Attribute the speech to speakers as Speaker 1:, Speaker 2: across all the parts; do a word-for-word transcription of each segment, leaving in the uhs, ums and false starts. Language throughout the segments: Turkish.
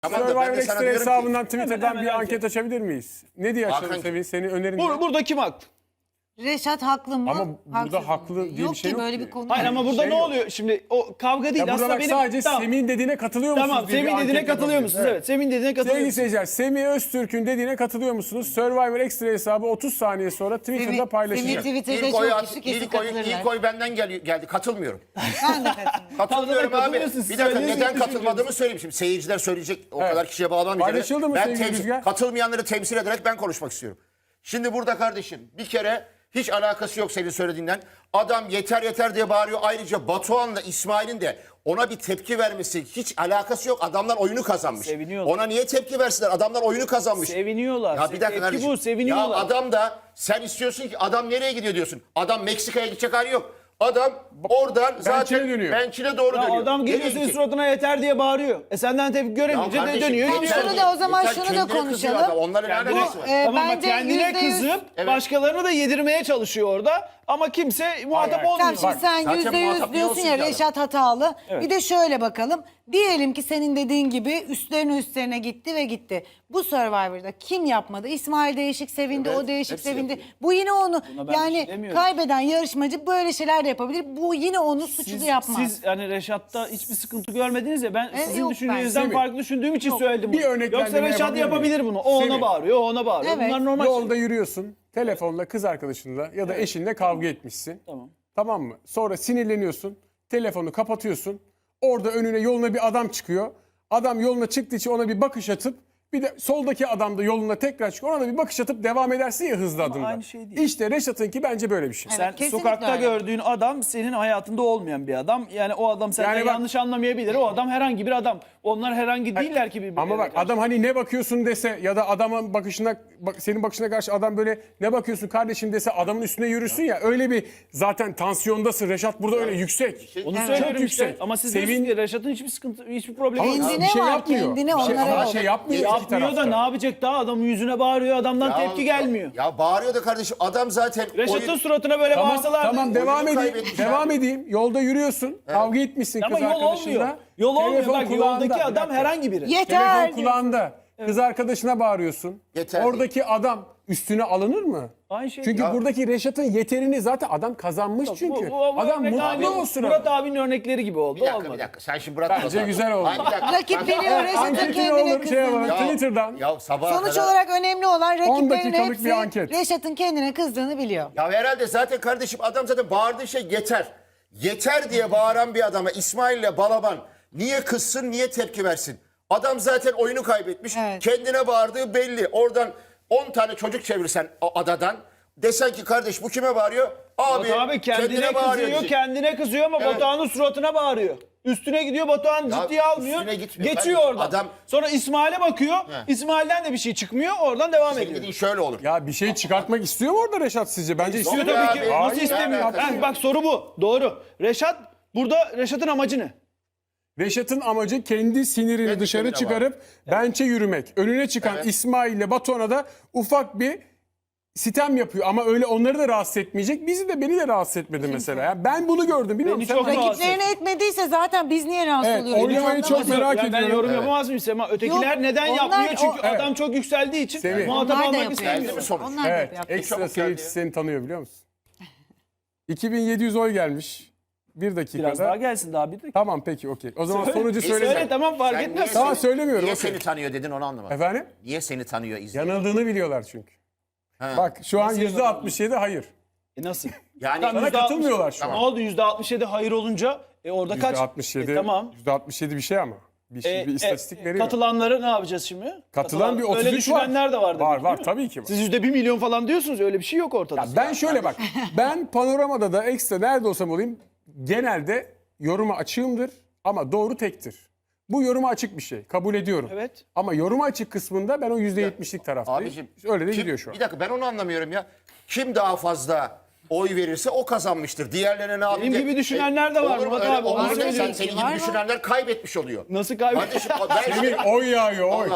Speaker 1: Tamam da ben
Speaker 2: Survivor
Speaker 1: de sana
Speaker 2: Extra
Speaker 1: diyorum ki-
Speaker 2: hesabından Twitter'dan
Speaker 3: Hemen,
Speaker 2: bir
Speaker 3: hemen
Speaker 2: anket açabilir miyiz? Ne diye açalım
Speaker 1: Hakan-
Speaker 2: Sevin? Senin önerin ne?
Speaker 3: Bur burada kim haklı?
Speaker 4: Reşat haklı mı?
Speaker 2: Ama burada
Speaker 4: Haksız mı?
Speaker 2: haklı diye bir
Speaker 4: yok
Speaker 2: şey
Speaker 4: ki
Speaker 2: yok
Speaker 4: böyle
Speaker 2: ki.
Speaker 4: bir konu.
Speaker 3: Hayır
Speaker 4: yok.
Speaker 3: ama burada
Speaker 2: şey
Speaker 3: ne
Speaker 2: yok.
Speaker 3: oluyor? Şimdi o kavga değil.
Speaker 2: Ya burada
Speaker 3: Aslında
Speaker 2: bak
Speaker 3: benim...
Speaker 2: sadece
Speaker 3: Tamam.
Speaker 2: Semih'in dediğine katılıyor musunuz?
Speaker 3: Tamam,
Speaker 2: diye bir
Speaker 3: Semih'in dediğine
Speaker 2: anket
Speaker 3: katılıyor
Speaker 2: yapabiliriz.
Speaker 3: musunuz? Evet, Semih'in dediğine katılıyor
Speaker 2: Sevgili
Speaker 3: musunuz?
Speaker 2: seyirciler, Semih Öztürk'ün dediğine katılıyor musunuz? Survivor Extra hesabı otuz saniye sonra Twitter'da
Speaker 4: Semih-
Speaker 2: paylaşacak.
Speaker 4: Semih Twitter'da
Speaker 1: İlk oy,
Speaker 4: çok
Speaker 1: at,
Speaker 4: kişi kesin
Speaker 1: ilk, oy,
Speaker 4: katılırlar.
Speaker 1: ilk oy benden gel, geldi. Katılmıyorum.
Speaker 4: Ben de katılıyorum.
Speaker 1: Katılmıyorum
Speaker 3: Tamam,
Speaker 1: abi.
Speaker 3: katılıyorsun.
Speaker 1: Bir dakika
Speaker 3: Söylediğiniz
Speaker 1: neden
Speaker 3: gibi
Speaker 1: katılmadığımı söyleyeyim. Şimdi seyirciler söyleyecek o
Speaker 2: Evet.
Speaker 1: kadar kişiye bağlanmayacağım.
Speaker 2: Paylaşıldı mı
Speaker 1: Ben
Speaker 2: sevgili
Speaker 1: temsil,
Speaker 2: Rüzgar?
Speaker 1: katılmayanları temsil ederek ben konuşmak istiyorum. Şimdi burada kardeşim bir kere hiç alakası yok senin söylediğinden. Adam yeter yeter diye bağırıyor. Ayrıca Batuhan'la İsmail'in de ona bir tepki vermesi hiç alakası yok. Adamlar oyunu kazanmış.
Speaker 3: Seviniyorlar.
Speaker 1: Ona niye tepki versinler? Adamlar oyunu kazanmış.
Speaker 3: Seviniyorlar.
Speaker 1: Ya bir dakika
Speaker 3: Tepki
Speaker 1: kardeşim.
Speaker 3: bu, seviniyorlar.
Speaker 1: Ya adam da sen istiyorsun ki adam nereye gidiyor diyorsun. Adam Meksika'ya gidecek hali yok. Adam oradan zaten
Speaker 2: dönüyor.
Speaker 1: bençine doğru
Speaker 3: Ya
Speaker 1: dönüyor.
Speaker 3: adam geliyor
Speaker 1: Nereye
Speaker 3: senin
Speaker 1: gidecek?
Speaker 3: suratına yeter diye bağırıyor. E senden tepki göremeyince
Speaker 1: Ya
Speaker 3: de
Speaker 1: kardeşim,
Speaker 3: dönüyor
Speaker 1: yeter
Speaker 3: gidiyor.
Speaker 4: Şunu
Speaker 1: diye-
Speaker 4: da o zaman
Speaker 1: yeter
Speaker 4: şunu da
Speaker 1: kendine kızıyor
Speaker 4: konuşalım.
Speaker 1: adam. Onlarla ne
Speaker 3: Kendine-
Speaker 1: alakası var?
Speaker 4: e,
Speaker 3: Tamam bak
Speaker 4: bence
Speaker 3: kendine
Speaker 4: yüzde yüz-
Speaker 3: kızıp
Speaker 1: Evet.
Speaker 3: başkalarını da yedirmeye çalışıyor orada. Ama kimse muhatap
Speaker 2: Hayır, hayır.
Speaker 3: olmuyor.
Speaker 4: Tamam şimdi sen
Speaker 1: zaten
Speaker 4: yüzde
Speaker 1: muhatap
Speaker 4: yüz
Speaker 1: ne
Speaker 4: diyorsun
Speaker 1: olsun
Speaker 4: ya
Speaker 1: ki adam?
Speaker 4: Reşat hatalı. Bir de şöyle bakalım. Diyelim ki senin dediğin gibi üstlerine üstlerine gitti ve gitti. Bu Survivor'da kim yapmadı? İsmail değişik sevindi,
Speaker 1: Evet,
Speaker 4: o değişik
Speaker 1: hepsi
Speaker 4: sevindi.
Speaker 1: yapıyor.
Speaker 4: Bu yine onu
Speaker 3: Buna ben bir şey
Speaker 4: yani
Speaker 3: demiyorum.
Speaker 4: kaybeden yarışmacı böyle şeyler de yapabilir. Bu yine onu suçlu
Speaker 3: Siz,
Speaker 4: yapmaz.
Speaker 3: siz hani Reşat'ta hiçbir sıkıntı görmediniz ya ben
Speaker 4: E,
Speaker 3: sizin
Speaker 4: yok
Speaker 3: düşüncenizden
Speaker 2: bence.
Speaker 3: farklı düşündüğüm için söyledim bunu.
Speaker 2: Bir örneklendirme
Speaker 3: Yoksa Reşat
Speaker 2: yapabilir miyim?
Speaker 3: yapabilir bunu. O ona
Speaker 2: Semih.
Speaker 3: bağırıyor, o ona bağırıyor.
Speaker 4: Evet.
Speaker 3: Bunlar normal
Speaker 2: Yolda
Speaker 3: şeyler.
Speaker 2: yürüyorsun, telefonla kız arkadaşınla ya da eşinle kavga etmişsin.
Speaker 3: Tamam.
Speaker 2: Tamam mı? Sonra sinirleniyorsun, telefonu kapatıyorsun. Orada önüne yoluna bir adam çıkıyor. Adam yoluna çıktığı için ona bir bakış atıp bir de soldaki adam da yoluna tekrar çıkıyor. Ona da bir bakış atıp devam edersin ya hızlı adımla.
Speaker 3: aynı şey değil.
Speaker 2: İşte Reşat'ınki bence böyle bir şey.
Speaker 4: Evet,
Speaker 3: Sen
Speaker 4: kesinlikle
Speaker 3: sokakta
Speaker 4: öyle.
Speaker 3: gördüğün adam senin hayatında olmayan bir adam. Yani o adam senden
Speaker 2: Yani bak-
Speaker 3: yanlış anlamayabilir. O adam herhangi bir adam. Onlar herhangi değiller ki birbirlerine.
Speaker 2: Ama bak
Speaker 3: karşı.
Speaker 2: adam hani ne bakıyorsun dese ya da adamın bakışına bak, senin bakışına karşı adam böyle ne bakıyorsun kardeşim dese adamın üstüne yürürsün ya öyle bir zaten tansiyondasın. Reşat burada öyle yüksek.
Speaker 3: Onu
Speaker 2: Çok
Speaker 3: söylüyorum işte.
Speaker 2: yüksek.
Speaker 3: Ama siz
Speaker 2: Sevin-
Speaker 3: diyorsunuz ki Reşat'ın hiçbir sıkıntı, hiçbir problemi
Speaker 2: Ama
Speaker 3: yok.
Speaker 4: Kendine
Speaker 2: bir şey
Speaker 4: var,
Speaker 2: yapmıyor.
Speaker 4: kendine,
Speaker 2: Bir şey,
Speaker 4: onlara
Speaker 2: ama
Speaker 4: yok.
Speaker 2: şey yapmıyor iki
Speaker 3: Yapmıyor da
Speaker 2: tarafta.
Speaker 3: ne yapacak daha? Adamın yüzüne bağırıyor, adamdan
Speaker 1: Ya-
Speaker 3: tepki gelmiyor.
Speaker 1: Ya bağırıyor da kardeşim adam zaten
Speaker 3: Reşat'ın
Speaker 1: oyun-
Speaker 3: suratına böyle
Speaker 2: Tamam,
Speaker 3: bağırsalardı.
Speaker 2: tamam devam
Speaker 1: oyunu
Speaker 2: edeyim.
Speaker 1: kaybetmiş
Speaker 2: Devam
Speaker 1: abi.
Speaker 2: edeyim. Yolda yürüyorsun. Kavga etmişsin
Speaker 3: Ama
Speaker 2: kız
Speaker 3: yol
Speaker 2: arkadaşınla.
Speaker 3: olmuyor. Yol olmuyor.
Speaker 2: Telefon
Speaker 3: Bak
Speaker 2: kulağında.
Speaker 3: yoldaki
Speaker 2: Bir
Speaker 3: adam
Speaker 2: dakika.
Speaker 3: herhangi biri.
Speaker 4: Yeter.
Speaker 2: Telefon kulağında. Kız arkadaşına bağırıyorsun.
Speaker 1: Yeter
Speaker 2: Oradaki adam üstüne alınır mı?
Speaker 3: Aynı şey.
Speaker 2: Çünkü
Speaker 1: Ya-
Speaker 2: buradaki Reşat'ın yeterini zaten adam kazanmış çünkü.
Speaker 3: Bu- bu- bu
Speaker 2: adam
Speaker 3: örnek
Speaker 2: mutlu
Speaker 3: abi,
Speaker 2: olsun.
Speaker 3: Murat abinin örnekleri gibi oldu.
Speaker 1: Bir dakika
Speaker 3: olmadı.
Speaker 1: bir dakika sen şimdi Murat
Speaker 2: Bence
Speaker 1: Murat-
Speaker 2: güzel oldu.
Speaker 1: Hayır, bir dakika.
Speaker 4: Rakip
Speaker 1: Ben-
Speaker 4: geliyor, Reşat'ın
Speaker 2: Anketini
Speaker 4: kendine
Speaker 2: olur şey
Speaker 4: kızdığını.
Speaker 2: yapalım.
Speaker 1: Ya-
Speaker 2: Twitter'dan.
Speaker 1: Ya sabaha
Speaker 4: Sonuç
Speaker 1: kadar-
Speaker 4: olarak önemli olan rakiplerin
Speaker 2: dakikalık
Speaker 4: hepsi
Speaker 2: bir anket.
Speaker 4: Reşat'ın kendine kızdığını biliyor.
Speaker 1: Ya herhalde zaten kardeşim adam zaten bağırdığı şey yeter. Yeter diye bağıran bir adama İsmail'le Balaban niye kızsın niye tepki versin? Adam zaten oyunu kaybetmiş.
Speaker 4: Evet.
Speaker 1: Kendine bağırdığı belli. Oradan on tane çocuk çevirsen o adadan desen ki kardeş bu kime bağırıyor? Abi,
Speaker 3: Batu abi kendine,
Speaker 1: bağırıyor
Speaker 3: kızıyor,
Speaker 1: diyecek.
Speaker 3: kendine kızıyor ama
Speaker 1: Evet.
Speaker 3: Batuhan'ın suratına bağırıyor. Üstüne gidiyor, Batuhan
Speaker 1: Ya
Speaker 3: ciddiye almıyor.
Speaker 1: üstüne gitmiyor.
Speaker 3: Geçiyor
Speaker 1: Ben-
Speaker 3: oradan.
Speaker 1: adam-
Speaker 3: Sonra İsmail'e bakıyor. İsmail'den de bir şey çıkmıyor. Oradan devam
Speaker 1: Senin
Speaker 3: ediyor.
Speaker 1: dediğin şöyle olur.
Speaker 2: Ya bir şey çıkartmak istiyor mu orada Reşat sizce? Bence istiyor
Speaker 1: Yok
Speaker 2: tabii
Speaker 1: ya
Speaker 2: ki.
Speaker 1: abi.
Speaker 3: Nasıl
Speaker 1: Hayır,
Speaker 3: istemiyor?
Speaker 1: yani
Speaker 3: Ha, bak soru bu. Doğru. Reşat burada Reşat'ın amacı ne?
Speaker 2: Reşat'ın amacı kendi sinirini
Speaker 1: Kendi
Speaker 2: dışarı
Speaker 1: sinirine
Speaker 2: çıkarıp bençe yürümek. Önüne çıkan
Speaker 1: Evet.
Speaker 2: İsmail ile Batuhan'a da ufak bir sitem yapıyor. Ama öyle onları da rahatsız etmeyecek. Bizi de beni de rahatsız etmedi mesela. Yani ben bunu gördüm. Bilmiyorum
Speaker 3: Beni
Speaker 2: sen
Speaker 3: çok
Speaker 2: bana-
Speaker 3: rahatsız
Speaker 4: Rakiplerini etmediyse zaten biz niye rahatsız
Speaker 2: Evet,
Speaker 4: oluyoruz?
Speaker 2: oylamayı
Speaker 4: Biz
Speaker 2: çok
Speaker 4: anlamadım.
Speaker 2: merak
Speaker 3: Yani ben
Speaker 2: ediyorum.
Speaker 3: yorum
Speaker 1: Evet.
Speaker 3: yapamaz mıyım Sema? Ötekiler
Speaker 4: Yok,
Speaker 3: neden
Speaker 4: onlar-
Speaker 3: yapmıyor? Çünkü
Speaker 4: o-
Speaker 3: adam çok yükseldiği için
Speaker 2: Semih.
Speaker 3: muhatap
Speaker 4: Onlar da
Speaker 3: almak
Speaker 4: yapıyor.
Speaker 3: istemiyor.
Speaker 1: Geldi mi sonuç?
Speaker 4: Onlar da
Speaker 2: Evet,
Speaker 4: yapıyor.
Speaker 2: ekstra
Speaker 1: Çabuk
Speaker 2: seyirci
Speaker 1: geldi.
Speaker 2: seni tanıyor biliyor musun? iki bin yedi yüz oy gelmiş. Bir dakikada.
Speaker 3: Biraz daha gelsin daha bir dakika.
Speaker 2: Tamam peki okey. O zaman
Speaker 3: Söyle.
Speaker 2: sonucu
Speaker 3: E,
Speaker 2: söyleyeceğim.
Speaker 3: söyle tamam fark
Speaker 1: Sen
Speaker 3: etmez.
Speaker 1: niye-
Speaker 2: Tamam söylemiyorum.
Speaker 1: Niye
Speaker 2: okey.
Speaker 1: seni tanıyor dedin onu anlamadım.
Speaker 2: Efendim?
Speaker 1: Niye seni tanıyor izleyici?
Speaker 2: Yanıldığını biliyorlar çünkü.
Speaker 1: Ha.
Speaker 2: Bak şu an
Speaker 3: Nasıl
Speaker 2: yüzde altmış yedi hayır.
Speaker 3: E nasıl?
Speaker 1: Yani
Speaker 3: Tamam,
Speaker 2: Bana
Speaker 3: yüzde altmış
Speaker 2: katılmıyorlar şu
Speaker 3: Ne
Speaker 2: an.
Speaker 3: oldu? yüzde altmış yedi hayır olunca e orada kaç?
Speaker 2: yüzde altmış yedi.
Speaker 3: E, tamam.
Speaker 2: yüzde altmış yedi bir şey ama. Bir, şey,
Speaker 3: E,
Speaker 2: bir
Speaker 3: e,
Speaker 2: istatistik
Speaker 3: e,
Speaker 2: veriyor.
Speaker 3: Katılanları ne yapacağız şimdi?
Speaker 2: Katılan bir otuz üç
Speaker 3: Öyle
Speaker 2: var.
Speaker 3: düşünenler de var. demek,
Speaker 2: Var
Speaker 3: değil
Speaker 2: var
Speaker 3: mi?
Speaker 2: tabii ki var.
Speaker 3: Siz yüzde bir milyon falan diyorsunuz öyle bir şey yok ortada.
Speaker 2: Ya ben şöyle bak. Ben panoramada da ekstra nerede olsam olayım genelde yoruma açığımdır ama doğru tektir. Bu yoruma açık bir şey. Kabul ediyorum.
Speaker 3: Evet.
Speaker 2: Ama yoruma açık kısmında ben o yüzde yetmişlik taraftayım.
Speaker 1: Abicim,
Speaker 2: Öyle de
Speaker 1: kim-
Speaker 2: gidiyor şu an.
Speaker 1: Bir dakika ben onu anlamıyorum ya. Kim daha fazla oy verirse o kazanmıştır. Diğerlerine ne yapayım?
Speaker 3: gibi düşünenler de var
Speaker 1: Olur mu
Speaker 3: Murat
Speaker 1: öyle?
Speaker 3: abi, onu
Speaker 1: Olur mu? Sen
Speaker 3: söylüyorum.
Speaker 1: senin
Speaker 4: Var,
Speaker 1: gibi
Speaker 4: var.
Speaker 1: düşünenler kaybetmiş oluyor.
Speaker 3: Nasıl kaybediyor?
Speaker 1: Kardeşim ben
Speaker 2: Semih oy yağıyor oy.
Speaker 1: Allah Allah.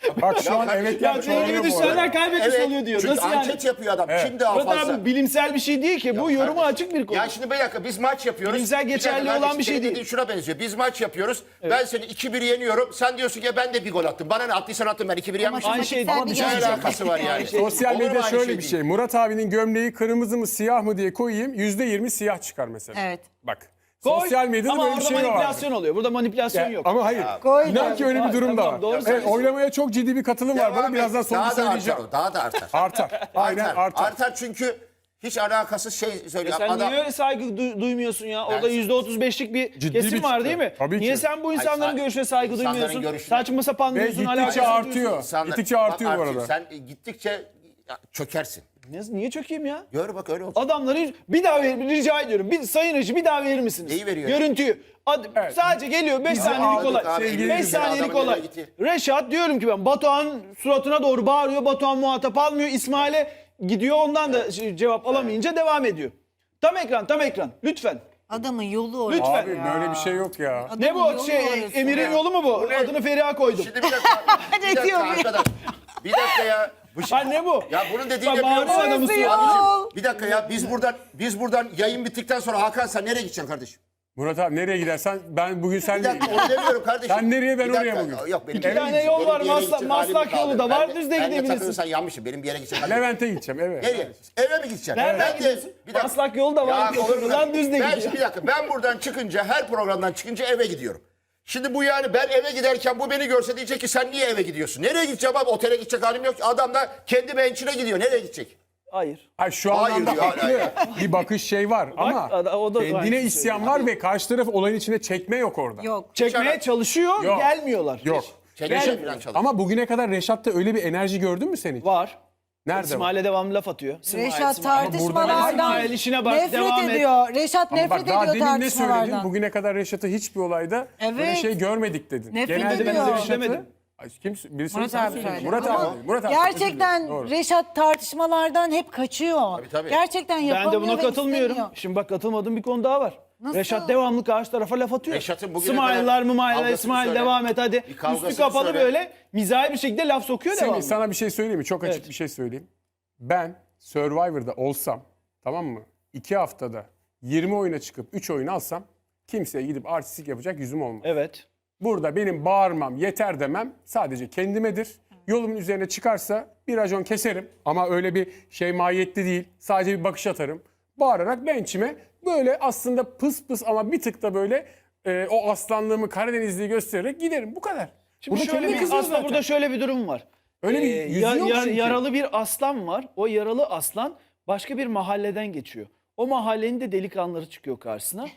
Speaker 2: Bak şu an evet
Speaker 3: Ya
Speaker 2: yani
Speaker 3: senin gibi
Speaker 2: çoğalıyor bu
Speaker 3: düşenler
Speaker 2: arada.
Speaker 3: kaybetmiş oluyor diyor.
Speaker 1: Çünkü
Speaker 3: Nasıl
Speaker 1: anket
Speaker 3: yani?
Speaker 1: yapıyor adam. Kim daha
Speaker 3: Murat
Speaker 1: fazla?
Speaker 3: abi bilimsel bir şey değil ki. Bu yoruma
Speaker 1: Kardeşim,
Speaker 3: açık bir konu.
Speaker 1: Ya şimdi bir dakika biz maç yapıyoruz.
Speaker 3: Bilimsel
Speaker 1: Bir dakika
Speaker 3: geçerli olan
Speaker 1: kardeşim,
Speaker 3: bir şey
Speaker 1: senin
Speaker 3: değil.
Speaker 1: dediğin şuna benziyor. Biz maç yapıyoruz. Ben seni iki bir yeniyorum. Sen diyorsun ki ben de bir gol attım. Bana ne attıysan attım ben iki bir yenmişim.
Speaker 3: Aynı şey
Speaker 4: Ama
Speaker 3: değil.
Speaker 4: bir
Speaker 1: Ne
Speaker 4: gerçek.
Speaker 1: alakası var yani?
Speaker 2: Sosyal
Speaker 1: Olur mu
Speaker 2: medya
Speaker 1: aynı
Speaker 2: şöyle
Speaker 1: şey
Speaker 2: bir
Speaker 1: değil?
Speaker 2: şey. Murat abinin gömleği kırmızı mı siyah mı diye koyayım. yüzde yirmi siyah çıkar mesela.
Speaker 4: Evet.
Speaker 2: Bak.
Speaker 3: Koy.
Speaker 2: Sosyal medyada
Speaker 3: Ama
Speaker 2: böyle bir
Speaker 3: orada
Speaker 2: şey var.
Speaker 3: manipülasyon oluyor. Burada manipülasyon
Speaker 2: Ya,
Speaker 3: yok.
Speaker 2: ama hayır.
Speaker 4: Koy.
Speaker 2: İnan ki öyle bir durum
Speaker 3: Tamam,
Speaker 2: da var.
Speaker 3: doğru
Speaker 2: Evet,
Speaker 3: söylüyorsun.
Speaker 2: oylamaya çok ciddi bir katılım var.
Speaker 1: Devam
Speaker 2: Bana
Speaker 1: et.
Speaker 2: birazdan sonra
Speaker 1: Daha da
Speaker 2: söyleyeceğim.
Speaker 1: artar o. Daha da artar.
Speaker 2: Artar. Aynen
Speaker 1: artar.
Speaker 2: artar.
Speaker 1: Artar çünkü hiç alakasız şey söylüyor.
Speaker 3: Sen
Speaker 1: Adam,
Speaker 3: niye öyle saygı du- duymuyorsun ya? Orada
Speaker 1: Ben-
Speaker 3: yüzde otuz beşlik bir
Speaker 2: Ciddi
Speaker 3: kesim
Speaker 2: bir
Speaker 3: var
Speaker 2: kitle.
Speaker 3: değil mi?
Speaker 2: Tabii
Speaker 3: Niye
Speaker 2: ki.
Speaker 3: sen bu
Speaker 1: Hayır,
Speaker 3: insanların
Speaker 1: sa-
Speaker 3: görüşüne saygı
Speaker 1: insanların
Speaker 3: duymuyorsun?
Speaker 1: görüşüne-
Speaker 3: Saçma sapan
Speaker 2: Ve
Speaker 3: diyorsun.
Speaker 2: gittikçe
Speaker 3: alakasız
Speaker 2: artıyor.
Speaker 3: diyorsun.
Speaker 1: insanlar-
Speaker 2: Gittikçe
Speaker 1: Bak
Speaker 2: artıyor bu
Speaker 1: Artur,
Speaker 2: arada.
Speaker 1: Sen gittikçe ya, çökersin.
Speaker 3: Ne- Niye çökeyim ya?
Speaker 1: Gör bak öyle olacak.
Speaker 3: Adamları bir daha ver, rica ediyorum. Bir sayın Reji bir daha verir misiniz?
Speaker 1: Neyi veriyor?
Speaker 3: Görüntüyü. Ad-
Speaker 2: Evet.
Speaker 3: Sadece geliyor beş saniyelik
Speaker 1: aldık
Speaker 3: olay.
Speaker 1: abi,
Speaker 2: sevgili
Speaker 3: beş
Speaker 2: izleyiciler,
Speaker 3: saniyelik
Speaker 1: adamın
Speaker 3: olay.
Speaker 1: nereye gitti?
Speaker 3: Reşat diyorum ki ben Batuhan suratına doğru bağırıyor. Batuhan muhatap almıyor. İsmail'e gidiyor. Ondan da şey- cevap alamayınca devam ediyor. Tam ekran, tam ekran. Lütfen.
Speaker 4: Adamın yolu orası.
Speaker 3: Lütfen.
Speaker 2: Abi böyle bir şey yok ya.
Speaker 4: Adamın
Speaker 3: Ne bu?
Speaker 4: yolu
Speaker 3: Şey,
Speaker 4: orası.
Speaker 3: Emir'in yolu mu bu?
Speaker 1: ne?
Speaker 3: Adını Feriha koydum.
Speaker 1: Şimdi bir dakika.
Speaker 4: Ne
Speaker 1: bir dakika
Speaker 4: diyor bu ya?
Speaker 1: arkadaş. Bir dakika ya. Bu şey-
Speaker 3: Ha ne bu?
Speaker 1: Ya bunun dediğini
Speaker 3: Bak,
Speaker 1: biliyor musun?
Speaker 3: bağırma adamı
Speaker 1: Abicim,
Speaker 4: suya.
Speaker 1: bir dakika ya biz buradan biz buradan yayın bittikten sonra Hakan sen nereye gideceksin kardeşim?
Speaker 2: Murat abi nereye gidersen ben bugün
Speaker 1: Bir
Speaker 2: senleyim.
Speaker 1: dakika onu demiyorum kardeşim.
Speaker 2: Sen nereye, ben
Speaker 1: Bir dakika,
Speaker 2: oraya bugün.
Speaker 1: Yok benim
Speaker 3: İki
Speaker 1: bir yere
Speaker 3: tane
Speaker 1: gidecek-
Speaker 3: yol
Speaker 1: benim
Speaker 3: var,
Speaker 1: bir yere
Speaker 3: Maslak-
Speaker 1: gidecek halim
Speaker 3: Maslak
Speaker 1: kaldı.
Speaker 3: yolu da
Speaker 1: Ben
Speaker 3: var,
Speaker 1: de-
Speaker 3: düz de
Speaker 1: ben de
Speaker 3: gidebilirsin.
Speaker 1: takılırsan yanmışım. Benim bir yere gidecek halim yok.
Speaker 2: Levent'e gideceğim eve.
Speaker 1: Nereye? Eve mi gideceksin?
Speaker 3: Nereden
Speaker 1: Ben de-
Speaker 3: gidiyorsun?
Speaker 1: bir dakika.
Speaker 3: Maslak yolu da var,
Speaker 1: Ya, olur mu?
Speaker 3: lan düz de
Speaker 1: ben,
Speaker 3: gidiyor.
Speaker 1: Bir dakika ben buradan çıkınca her programdan çıkınca eve gidiyorum. Şimdi bu yani ben eve giderken bu beni görse diyecek ki sen niye eve gidiyorsun? Nereye gideceğim abi? Otele gidecek halim yok. Adam da kendi bençine gidiyor. Nereye gidecek?
Speaker 3: Hayır.
Speaker 2: Hayır, şu
Speaker 1: Hayır
Speaker 2: anlamda
Speaker 1: diyor,
Speaker 2: haklı.
Speaker 1: hala
Speaker 2: Bir bakış şey var ama
Speaker 3: ada- o da aynı
Speaker 2: kendine
Speaker 3: şey
Speaker 2: isyan var ve karşı taraf olayın içine çekme yok orada.
Speaker 4: Yok.
Speaker 3: Çekmeye çalışıyor,
Speaker 2: Yok.
Speaker 3: gelmiyorlar.
Speaker 2: Yok.
Speaker 1: Çekişe
Speaker 3: Gel-
Speaker 1: falan çalışıyor.
Speaker 2: Ama bugüne kadar Reşat'ta öyle bir enerji gördün mü sen hiç?
Speaker 3: Var.
Speaker 2: Nerede var?
Speaker 3: İsmail'e devamlı laf atıyor. İsmail,
Speaker 4: Reşat
Speaker 3: İsmail.
Speaker 4: tartışmalardan
Speaker 3: İsmail işine bak,
Speaker 4: nefret
Speaker 3: devam et.
Speaker 4: ediyor. Reşat
Speaker 2: Ama
Speaker 4: nefret
Speaker 2: bak daha
Speaker 4: ediyor
Speaker 2: demin ne söyledin?
Speaker 4: tartışmalardan.
Speaker 2: Bugüne kadar Reşat'ı hiçbir olayda böyle
Speaker 4: Evet.
Speaker 2: şey görmedik dedin.
Speaker 4: Nefret
Speaker 2: Genelde ben
Speaker 4: ediyor.
Speaker 2: Reşat'ı...
Speaker 3: Demedim.
Speaker 2: Ay, kim, birisi
Speaker 4: Murat
Speaker 2: sen
Speaker 4: abi
Speaker 2: söyledin.
Speaker 4: söyledi.
Speaker 2: Murat
Speaker 4: Ama
Speaker 2: abi. Murat abi. özür
Speaker 4: gerçekten
Speaker 2: dilerim. Doğru.
Speaker 4: Reşat tartışmalardan hep kaçıyor.
Speaker 1: tabii.
Speaker 4: Gerçekten
Speaker 3: Ben
Speaker 4: yapamıyor
Speaker 3: de buna
Speaker 4: ve
Speaker 3: katılmıyorum.
Speaker 4: istemiyor.
Speaker 3: Şimdi bak katılmadığım bir konu daha var.
Speaker 4: Nasıl?
Speaker 3: Reşat devamlı karşı tarafa laf atıyor.
Speaker 1: Reşat'ın bugüne
Speaker 3: İsmail'lar
Speaker 1: kadar
Speaker 3: mı Mail'ler
Speaker 1: kavgasını
Speaker 3: İsmail
Speaker 1: söyle.
Speaker 3: devam et hadi.
Speaker 1: Bir kavgasını
Speaker 3: Üstü kapalı
Speaker 1: söyle.
Speaker 3: böyle mizahi bir şekilde laf sokuyor
Speaker 2: Semih,
Speaker 3: devamlı.
Speaker 2: sana bir şey söyleyeyim mi? Çok açık
Speaker 3: Evet.
Speaker 2: bir şey söyleyeyim. Ben Survivor'da olsam, tamam mı? İki haftada yirmi oyuna çıkıp üç oyun alsam kimseye gidip artistik yapacak yüzüm olmaz.
Speaker 3: Evet.
Speaker 2: Burada benim bağırmam, yeter demem sadece kendimedir. Yolumun üzerine çıkarsa bir racon keserim. Ama öyle bir şey mahiyetli değil. Sadece bir bakış atarım. Bağırarak bençime böyle aslında pıs pıs ama bir tık da böyle e, o aslanlığımı, Karadenizliği göstererek giderim. Bu kadar.
Speaker 3: Şimdi
Speaker 2: Burada
Speaker 3: şöyle
Speaker 2: kendime
Speaker 3: bir,
Speaker 2: kızıyor
Speaker 3: aslında
Speaker 2: zaten.
Speaker 3: burada şöyle bir durum var.
Speaker 2: Öyle bir
Speaker 3: Ee,
Speaker 2: yüzü
Speaker 3: ya-
Speaker 2: yok
Speaker 3: ya-
Speaker 2: çünkü.
Speaker 3: Yaralı bir aslan var. O yaralı aslan başka bir mahalleden geçiyor. O mahallenin de delikanlıları çıkıyor karşısına.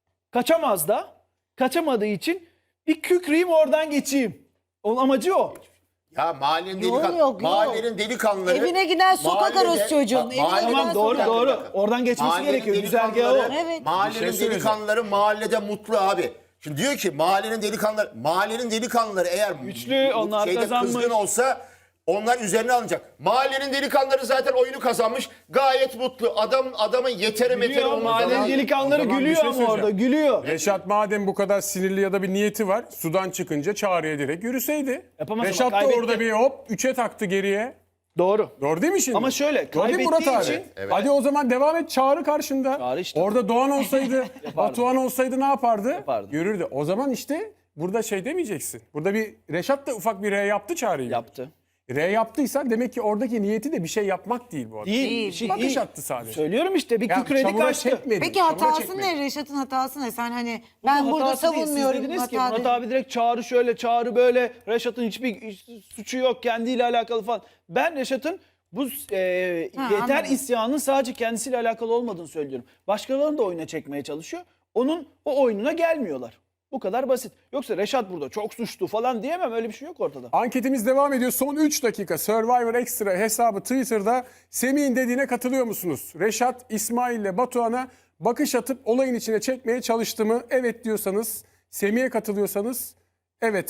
Speaker 3: Kaçamaz da. Kaçamadığı için bir kükreyim oradan geçeyim. Onun amacı o.
Speaker 1: Ya mahallenin
Speaker 4: Yok,
Speaker 1: delikan
Speaker 4: yok, yok.
Speaker 1: mahallenin delikanlıları
Speaker 4: Evine giden sokak
Speaker 1: mahallede-
Speaker 4: arası çocuğun,
Speaker 1: Bak,
Speaker 4: evine
Speaker 1: mahallenin-
Speaker 4: giden
Speaker 3: Tamam doğru
Speaker 4: sokak-
Speaker 3: doğru. Oradan geçmesi
Speaker 1: Mahallenin
Speaker 3: gerekiyor. Güzergahı o.
Speaker 1: delikanlıları-
Speaker 4: Evet.
Speaker 1: Mahallenin
Speaker 2: Bir şey söyleyeceğim.
Speaker 1: delikanlıları mahallede mutlu abi. Şimdi diyor ki mahallenin delikanlıları, mahallenin delikanlıları eğer
Speaker 3: Güçlü,
Speaker 1: bu
Speaker 3: onlar
Speaker 1: şeyde
Speaker 3: kazanmış.
Speaker 1: kızgın olsa onlar üzerine alınacak. Mahallenin delikanlıları zaten oyunu kazanmış. Gayet mutlu. Adam adamın yeteri meteri
Speaker 3: Gülüyor.
Speaker 1: olmadı.
Speaker 3: Mahallenin
Speaker 1: Adam-
Speaker 3: delikanlıları
Speaker 2: O zaman bir
Speaker 3: gülüyor
Speaker 2: şey
Speaker 3: ama orada.
Speaker 2: söyleyeceğim.
Speaker 3: Gülüyor.
Speaker 2: Reşat madem bu kadar sinirli ya da bir niyeti var, sudan çıkınca çağrıya direkt yürüseydi.
Speaker 3: Yapamaz ama
Speaker 2: Reşat da
Speaker 3: kaybetti.
Speaker 2: orada bir hop üçe taktı geriye.
Speaker 3: Doğru.
Speaker 2: Doğru değil mi şimdi?
Speaker 3: Ama şöyle,
Speaker 2: Doğru değil mi Murat
Speaker 3: kaybettiği
Speaker 2: abi?
Speaker 3: için-
Speaker 1: Evet.
Speaker 2: Hadi o zaman devam et, Çağrı karşında.
Speaker 3: Çağrı işte.
Speaker 2: Orada Doğan olsaydı, Batuhan olsaydı ne yapardı?
Speaker 3: Yapardı.
Speaker 2: Yürürdü. O zaman işte burada şey demeyeceksin. Burada bir Reşat da ufak bir R yaptı Çağrı'yı.
Speaker 3: Yaptı.
Speaker 2: R yaptıysa demek ki oradaki niyeti de bir şey yapmak değil bu adam.
Speaker 3: Değil.
Speaker 4: Değil.
Speaker 3: Şey,
Speaker 2: Bakış
Speaker 3: değil.
Speaker 2: attı sadece.
Speaker 3: Söylüyorum işte bir
Speaker 2: Ya
Speaker 3: kükredi
Speaker 2: çamura
Speaker 3: kaçtı.
Speaker 2: çekmedi.
Speaker 4: Peki
Speaker 2: çamura
Speaker 4: hatası
Speaker 2: çekmedi.
Speaker 4: ne? Reşat'ın hatası ne? Sen hani
Speaker 3: Bunun
Speaker 4: ben burada
Speaker 3: hatası değil. Siz
Speaker 4: savunmuyorum.
Speaker 3: dediniz ki
Speaker 4: hata
Speaker 3: Murat
Speaker 4: değil.
Speaker 3: abi direkt Çağrı şöyle, Çağrı böyle. Reşat'ın hiçbir suçu yok, kendiyle alakalı falan. Ben Reşat'ın bu e,
Speaker 4: Ha,
Speaker 3: yeter
Speaker 4: anladım.
Speaker 3: isyanının sadece kendisiyle alakalı olmadığını söylüyorum. Başkalarını da oyuna çekmeye çalışıyor. Onun o oyununa gelmiyorlar. Bu kadar basit. Yoksa Reşat burada çok suçlu falan diyemem. Öyle bir şey yok ortada.
Speaker 2: Anketimiz devam ediyor. Son üç dakika Survivor Extra hesabı Twitter'da Semih'in dediğine katılıyor musunuz? Reşat, İsmail ile Batuhan'a bakış atıp olayın içine çekmeye çalıştı mı? Evet diyorsanız, Semih'e katılıyorsanız evet'e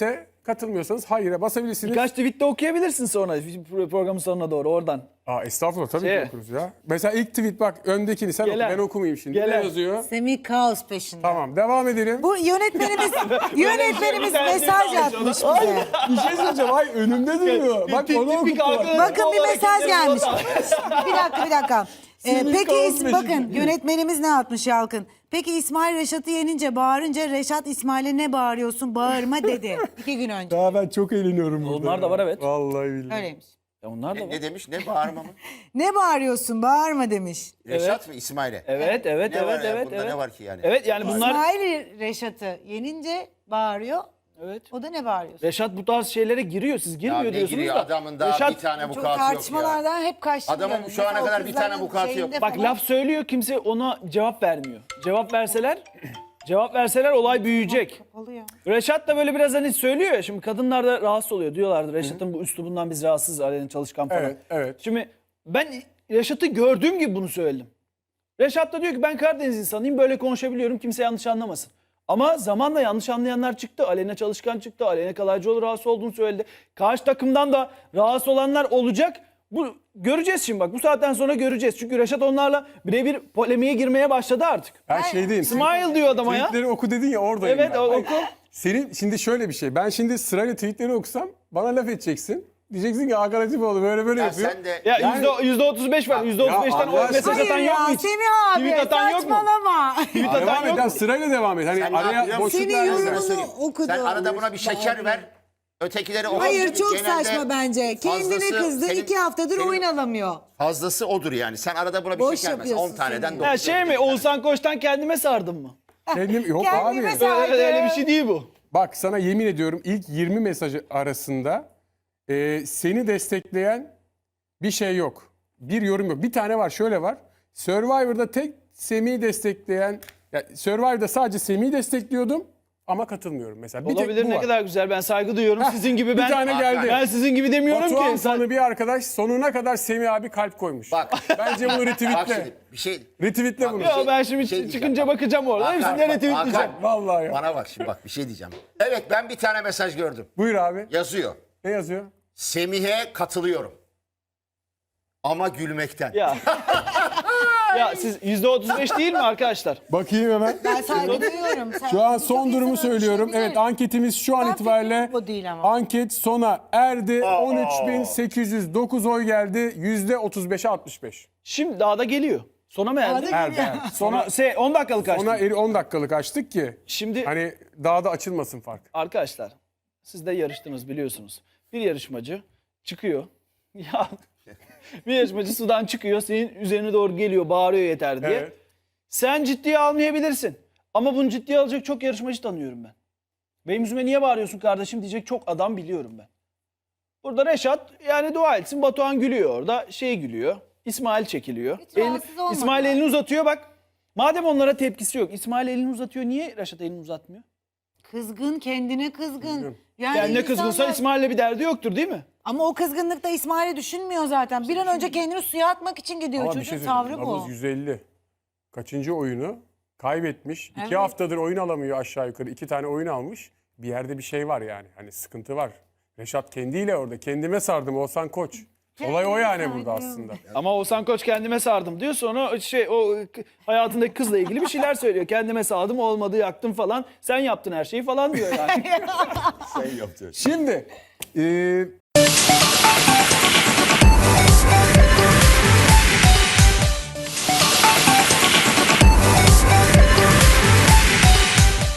Speaker 2: Katılmıyorsanız hayır'a basabilirsiniz.
Speaker 3: Birkaç tweet de okuyabilirsin sonra programın sonuna doğru oradan.
Speaker 2: Aa, estağfurullah tabii
Speaker 3: Şey.
Speaker 2: ki okuruz ya. Mesela ilk tweet bak öndekini sen
Speaker 3: Gelen.
Speaker 2: oku ben okumayayım şimdi.
Speaker 3: Gelen.
Speaker 2: Ne yazıyor?
Speaker 4: Semih kaos peşinde.
Speaker 2: Tamam devam edelim.
Speaker 4: Bu yönetmenimiz yönetmenimiz
Speaker 3: Bir tane
Speaker 4: mesaj
Speaker 3: tweet
Speaker 4: atmış
Speaker 3: almış ona.
Speaker 4: bize.
Speaker 2: Bir şey söyleyeceğim. Ay önümde duruyor. Bak onu
Speaker 3: Tipik
Speaker 2: okuttular.
Speaker 3: arkadaş.
Speaker 4: Bakın bir
Speaker 3: Vallahi
Speaker 4: mesaj
Speaker 3: kendini
Speaker 4: gelmiş.
Speaker 3: not
Speaker 4: Bir dakika bir dakika. Ee,
Speaker 2: Semih
Speaker 4: peki
Speaker 2: kaos
Speaker 4: is-
Speaker 2: peşinde.
Speaker 4: bakın yönetmenimiz ne atmış Yalkın? Peki İsmail Reşat'ı yenince bağırınca Reşat İsmail'e ne bağırıyorsun bağırma dedi. İki gün önce.
Speaker 2: Daha ben çok eğleniyorum burada.
Speaker 3: Onlar da var, evet.
Speaker 2: Vallahi billahi.
Speaker 4: Öyleymiş.
Speaker 3: Ya onlar da
Speaker 1: Ne,
Speaker 3: var.
Speaker 1: ne demiş? Ne bağırma mı?
Speaker 4: Ne bağırıyorsun bağırma demiş.
Speaker 1: Reşat mı İsmail'e?
Speaker 3: Evet, evet,
Speaker 1: Ne var
Speaker 3: evet,
Speaker 1: ya?
Speaker 3: evet,
Speaker 1: Bunda
Speaker 3: evet.
Speaker 1: ne var ki yani?
Speaker 3: Evet yani bunlar
Speaker 4: İsmail Reşat'ı yenince bağırıyor.
Speaker 3: evet.
Speaker 4: O da ne bağırıyorsun?
Speaker 3: Reşat bu tarz şeylere giriyor. Siz
Speaker 1: Ya
Speaker 3: girmiyor
Speaker 1: ne
Speaker 3: diyorsunuz
Speaker 1: giriyor
Speaker 3: da.
Speaker 1: adamın daha
Speaker 3: Reşat,
Speaker 1: bir tane
Speaker 4: Çok
Speaker 1: vukuatı yok ya.
Speaker 4: tartışmalardan hep kaçtı.
Speaker 1: Adamın
Speaker 4: yani.
Speaker 1: şu ana
Speaker 4: Mesela o
Speaker 1: kadar bir tane
Speaker 4: kızların
Speaker 1: vukuatı yok.
Speaker 4: şeyinde
Speaker 3: bak
Speaker 4: falan-
Speaker 3: laf söylüyor, kimse ona cevap vermiyor. Cevap verseler cevap verseler olay büyüyecek.
Speaker 4: Kapalı ya.
Speaker 3: Reşat da böyle biraz hani söylüyor ya, şimdi kadınlar da rahatsız oluyor diyorlardı. Reşat'ın bu üslubundan biz rahatsızız, Aleyna Çalışkan falan.
Speaker 2: Evet, evet.
Speaker 3: Şimdi ben Reşat'ı gördüğüm gibi bunu söyledim. Reşat da diyor ki ben Karadeniz insanıyım, böyle konuşabiliyorum, kimse yanlış anlamasın. Ama zamanla yanlış anlayanlar çıktı. Aleyna Çalışkan çıktı. Aleyna Kalaycıoğlu rahatsız olduğunu söyledi. Karşı takımdan da rahatsız olanlar olacak. Bu göreceğiz şimdi bak. Bu saatten sonra göreceğiz. Çünkü Reşat onlarla birebir polemiğe girmeye başladı artık.
Speaker 2: Ben şey diyeyim.
Speaker 3: Smile diyor adama ya.
Speaker 2: Tweetleri oku dedin ya oradayım
Speaker 3: Evet,
Speaker 2: ben.
Speaker 3: o-
Speaker 2: Hayır,
Speaker 3: oku.
Speaker 2: Senin şimdi şöyle bir şey. Ben şimdi sırayla tweetleri okusam bana laf edeceksin. Diyeceksin ki Hakan Atipoğlu böyle böyle
Speaker 1: Ya
Speaker 2: yapıyor.
Speaker 1: sen de
Speaker 3: Ya
Speaker 2: Yani-
Speaker 3: yüzde, yüzde otuz beş var. Yüzde otuz beşten
Speaker 2: Allah
Speaker 3: o
Speaker 2: aşkına.
Speaker 3: mesaj atan
Speaker 4: Hayır
Speaker 3: yok mu
Speaker 4: ya
Speaker 3: hiç?
Speaker 4: Semih abi
Speaker 3: Tweet atan yok mu?
Speaker 4: saçmalama.
Speaker 3: Tweet atan
Speaker 2: Devam
Speaker 3: yok
Speaker 2: et.
Speaker 3: mu?
Speaker 2: Sırayla devam et. Hani
Speaker 1: Sen ne
Speaker 2: araya
Speaker 1: yapıyorsun?
Speaker 2: boşluk
Speaker 4: Senin
Speaker 2: verme.
Speaker 1: Ben sana
Speaker 4: yorumunu
Speaker 1: söyleyeyim.
Speaker 4: okudu.
Speaker 1: Sen arada buna bir şeker ver. Ötekileri o
Speaker 4: Hayır çok
Speaker 1: genelde
Speaker 4: saçma bence. Kendine
Speaker 1: fazlası
Speaker 4: kızdı
Speaker 1: senin-
Speaker 4: iki haftadır
Speaker 1: senin
Speaker 4: oyun alamıyor.
Speaker 1: Fazlası odur yani. Sen arada buna bir
Speaker 4: Boş
Speaker 1: şeker ver.
Speaker 4: yapıyorsun
Speaker 1: on taneden
Speaker 4: seni.
Speaker 1: dokuz.
Speaker 3: Ha şey mi? Oğuzhan Koç'tan kendime sardım mı?
Speaker 2: Kendim, yok
Speaker 4: Kendime
Speaker 2: abi.
Speaker 4: sar-
Speaker 3: Öyle, öyle bir şey değil bu.
Speaker 2: Bak sana yemin ediyorum ilk yirmi mesajı arasında e, seni destekleyen bir şey yok. Bir yorum yok. Bir tane var şöyle var. Survivor'da tek Semih'i destekleyen, ya Survivor'da sadece Semih'i destekliyordum ama katılmıyorum mesela. Bir tek
Speaker 3: Olabilir,
Speaker 2: bu
Speaker 3: ne
Speaker 2: var.
Speaker 3: kadar güzel. Ben saygı duyuyorum.
Speaker 2: Heh,
Speaker 3: Sizin gibi
Speaker 2: bir
Speaker 3: ben.
Speaker 2: tane geldi.
Speaker 3: Ben sizin gibi demiyorum
Speaker 2: Batuhan
Speaker 3: ki. Sen-
Speaker 2: fanı bir arkadaş sonuna kadar Semih abi kalp koymuş.
Speaker 1: Bak.
Speaker 2: Bence bunu
Speaker 1: Bak
Speaker 2: retweetle.
Speaker 1: şimdi bir şey.
Speaker 2: Retweetle
Speaker 1: Bak,
Speaker 2: bunu.
Speaker 1: bir
Speaker 3: Ya
Speaker 1: şey-
Speaker 3: ben şimdi
Speaker 1: bir şey diyeceğim.
Speaker 3: çıkınca bakacağım orada.
Speaker 1: Hakan,
Speaker 3: Hepsini
Speaker 1: bak,
Speaker 3: retweetleyeceğim.
Speaker 1: Hakan,
Speaker 2: Vallahi ya.
Speaker 1: Bana bak şimdi bak bir şey diyeceğim. Evet ben bir tane mesaj gördüm.
Speaker 2: Buyur abi.
Speaker 1: Yazıyor.
Speaker 2: Ne yazıyor?
Speaker 1: Semih'e katılıyorum. Ama gülmekten.
Speaker 3: Ya. Ya siz yüzde otuz beş değil mi arkadaşlar?
Speaker 2: Bakayım hemen.
Speaker 4: Ben saygı duyuyorum. Sen-
Speaker 2: Şu an
Speaker 4: Birçok
Speaker 2: son durumu
Speaker 4: insan öyle
Speaker 2: söylüyorum.
Speaker 4: düşünebilir.
Speaker 2: Evet anketimiz şu an
Speaker 4: Ben
Speaker 2: itibariyle
Speaker 4: fikrim bu değil ama.
Speaker 2: anket sona erdi. on üç bin sekiz yüz dokuz oy geldi. yüzde otuz beşe altmış beş.
Speaker 3: Şimdi daha da geliyor. Sona mı erdi?
Speaker 4: Daha da
Speaker 2: Erdi. erdi.
Speaker 3: Sona,
Speaker 2: Sona,
Speaker 3: se, on dakikalık açtım.
Speaker 2: sona eri on dakikalık açtık ki
Speaker 3: Şimdi
Speaker 2: hani daha da açılmasın fark.
Speaker 3: arkadaşlar siz de yarıştınız biliyorsunuz. Bir yarışmacı çıkıyor. Ya bir yarışmacı sudan çıkıyor, senin üzerine doğru geliyor, bağırıyor yeter diye.
Speaker 2: Evet.
Speaker 3: Sen ciddiye almayabilirsin. Ama bunu ciddiye alacak çok yarışmacı tanıyorum ben. Benim yüzüme niye bağırıyorsun kardeşim diyecek çok adam biliyorum ben. Burada Reşat yani dua etsin, Batuhan gülüyor orada, şey gülüyor. İsmail çekiliyor.
Speaker 4: Hiç rahatsız olmadılar.
Speaker 3: İsmail elini uzatıyor bak. Madem onlara tepkisi yok. İsmail elini uzatıyor. Niye Reşat elini uzatmıyor?
Speaker 4: Kızgın kendine kızgın. Yani
Speaker 3: Yani ne kızgınsa
Speaker 4: insanlar-
Speaker 3: İsmail'le bir derdi yoktur değil mi?
Speaker 4: Ama o kızgınlıkta İsmail'i düşünmüyor zaten. Bir an önce kendini suya atmak için gidiyor.
Speaker 2: Ama bir
Speaker 4: Çocuğun
Speaker 2: şey
Speaker 4: tavrı
Speaker 2: söyleyeyim.
Speaker 4: bu.
Speaker 2: Nabız yüz elli. Kaçıncı oyunu kaybetmiş.
Speaker 4: Evet.
Speaker 2: İki haftadır oyun alamıyor aşağı yukarı. İki tane oyun almış. Bir yerde bir şey var yani. Hani sıkıntı var. Reşat kendiyle orada. Kendime sardım Oğuzhan Koç. Olay o yani
Speaker 4: Kendime
Speaker 2: burada
Speaker 4: sardım.
Speaker 2: aslında.
Speaker 3: Ama Oğuzhan Koç kendime sardım diyor. Sonra şey o k- hayatındaki kızla ilgili bir şeyler söylüyor. Kendime sardım olmadı yaktım falan. Sen yaptın her şeyi falan diyor yani.
Speaker 2: Şimdi e,